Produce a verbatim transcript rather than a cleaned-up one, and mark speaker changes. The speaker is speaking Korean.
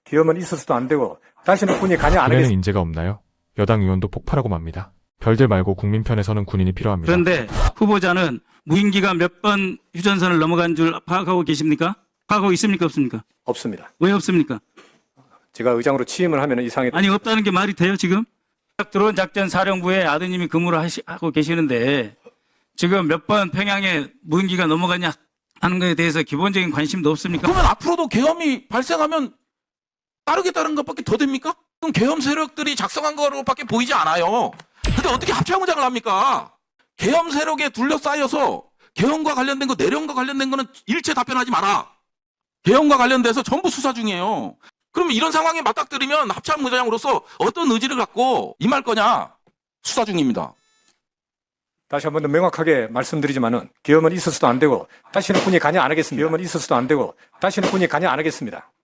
Speaker 1: 계엄은 있어서도 안 되고 다시는 군이 관여 안
Speaker 2: 군에는
Speaker 1: 하겠습니다.
Speaker 2: 인재가 없나요? 여당 의원도 폭발하고 맙니다. 별들 말고 국민 편에서는 군인이 필요합니다.
Speaker 3: 그런데 후보자는 무인기가 몇 번 휴전선을 넘어간 줄 파악하고 계십니까? 파악하고 있습니까? 없습니까?
Speaker 1: 없습니다.
Speaker 3: 왜 없습니까?
Speaker 1: 제가 의장으로 취임을 하면 이상이
Speaker 3: 아니 없다는 게 말이 돼요 지금? 드론 작전 사령부에 아드님이 근무를 하시, 하고 계시는데 지금 몇 번 평양에 무인기가 넘어가냐 하는 것에 대해서 기본적인 관심도 없습니까?
Speaker 4: 그러면 앞으로도 계엄이 발생하면 따르겠다는 것밖에 더 됩니까? 그럼 계엄 세력들이 작성한 거로밖에 보이지 않아요. 근데 어떻게 합창무장을 합니까? 계엄 세력에 둘러싸여서 계엄과 관련된 거, 내령과 관련된 거는 일체 답변하지 마라. 계엄과 관련돼서 전부 수사 중이에요. 그러면 이런 상황에 맞닥뜨리면 합참의장으로서 어떤 의지를 갖고 임할 거냐? 수사 중입니다.
Speaker 1: 다시 한 번 더 명확하게 말씀드리지만은 계엄은 있어서도 안 되고 다시는 군이 관여 안 하겠습니다. 계엄은 있어서도 안 되고 다시는 군이 관여 안 하겠습니다.